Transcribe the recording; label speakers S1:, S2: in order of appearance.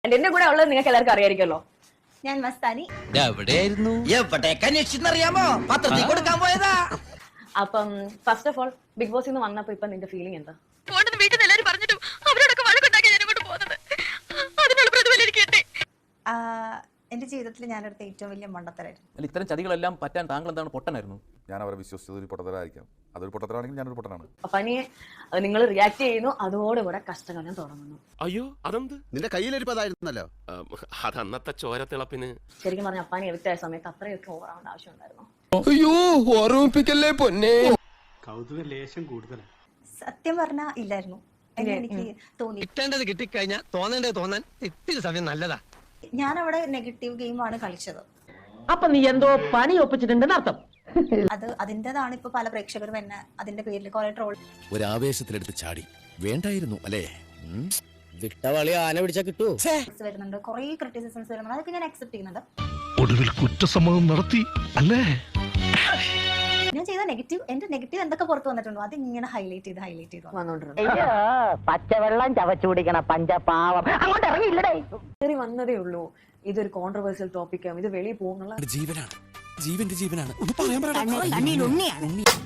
S1: എന്റെ കൂടെ ഉള്ളത് നിങ്ങൾക്ക് എല്ലാവർക്കും അറിയായിരിക്കല്ലോ.
S2: ഞാൻ മസ്താനി.
S3: എവിടെയായിരുന്നു? എവിടേക്ക് അന്വേഷിച്ചെന്നറിയാമോ? പത്രത്തിൽ കൊടുക്കാൻ പോയതാ.
S1: അപ്പം ഫസ്റ്റ് ഓഫ് ഓൾ ബിഗ് ബോസിൽ നിന്ന് വന്നപ്പോ ഇപ്പൊ നിന്റെ ഫീലിംഗ് എന്താ?
S4: വീട്ടിൽ നിന്ന് എല്ലാവരും പറഞ്ഞിട്ടും അവരോടൊക്കെ വഴക്കുണ്ടാക്കി ഞാൻ ഇങ്ങോട്ട് പോകുന്നത്. അതിനുള്ള പ്രതിഫലം എനിക്ക് കിട്ടി.
S2: എന്റെ ജീവിതത്തിൽ ഞാനെടുത്ത ഏറ്റവും വലിയ മണ്ടത്തരായിരുന്നു.
S5: അല്ല, ഇത്തരം ചതികളെല്ലാം പറ്റാൻ താങ്കൾ എന്താണ് പൊട്ടനായിരുന്നു?
S6: ഞാൻ അവരെ വിശ്വസിച്ചത് ഒരു പൊട്ടത്തരായിരിക്കാം. അതൊരു പൊട്ടത്തരാണെങ്കിൽ ഞാനൊരു പൊട്ടനാണ്.
S1: അപ്പൊ നിങ്ങൾ റിയാക്ട് ചെയ്യുന്നു, അതോടുകൂടെ കഷ്ടകാലം തുടങ്ങുന്നു.
S7: അയ്യോ അതെന്ത്?
S8: നിന്റെ കയ്യിലിരിപ്പതായിരുന്നല്ലോ.
S7: അത് അന്നത്തെ ചോരത്തിളപ്പിന്.
S1: ശരിക്കും പറഞ്ഞ അപ്പാനി എവിക്റ്റായ സമയത്ത് അത്രയൊക്കെ ഓവറാവേണ്ട ആവശ്യമുണ്ടായിരുന്നു?
S9: അയ്യോ ഓർമ്മിപ്പിക്കല്ലേ പൊന്നെ.
S10: കൗതുക ലേശം കൂടുതലാണ്.
S2: സത്യം പറഞ്ഞാ ഇല്ലായിരുന്നു. എനിക്ക് തോന്നി
S9: കിട്ടേണ്ടത് കിട്ടിക്കഴിഞ്ഞാൽ തോന്നേണ്ടത് തോന്നാൻ ഇത്തിരി സമയം നല്ലതാ.
S2: ഞാൻ അവിടെ നെഗറ്റീവ് ഗെയിമാണ് കളിച്ചത്.
S11: അപ്പൊ നീ എന്തോ പണി ഒപ്പിച്ചിട്ടുണ്ടെന്ന് അർത്ഥം.
S2: അതിൻ്റെതാണ് ഇപ്പൊ പല പ്രേക്ഷകരും എന്നെ അതിന്റെ പേരിൽ കുറെ ട്രോൾ
S3: ഒരു ആവേശത്തിലെടുത്ത് ചാടി വേണ്ടായിരുന്നു അല്ലേ?
S11: വിട്ടവളി ആന പിടിച്ചാ കിട്ടുമോ?
S2: വരുന്നുണ്ട്, കുറെ ക്രിറ്റിസിസംസ് വരുന്നുണ്ട്. അതൊക്കെ ഞാൻ അക്സെപ്റ്റ് ചെയ്യുന്നുണ്ട്.
S7: ഒടുവിൽ കുറ്റസമ്മതം നടത്തി അല്ലേ?
S2: ഞാൻ ചെയ്ത എന്റെ നെഗറ്റീവ് എന്തൊക്കെ പുറത്ത് വന്നിട്ടുണ്ടോ അത് ഇങ്ങനെ ഹൈലൈറ്റ് ചെയ്ത്
S1: വന്നോണ്ടിരുന്നു.
S11: പച്ചവെള്ളം ചവച്ചു കുടിക്കണ പഞ്ചപാവം അങ്ങോട്ട് ഇറങ്ങിയില്ലടേ.
S1: കയറി വന്നതേ ഉള്ളൂ. ഇതൊരു കോൺട്രവേഴ്സ്യൽ ടോപ്പിക്കാണ്, ഇത് വെളിയിൽ പോകുന്നുള്ള
S3: ജീവനാണ്, ജീവന്റെ ജീവനാണ്. ഒന്ന് പറയാൻ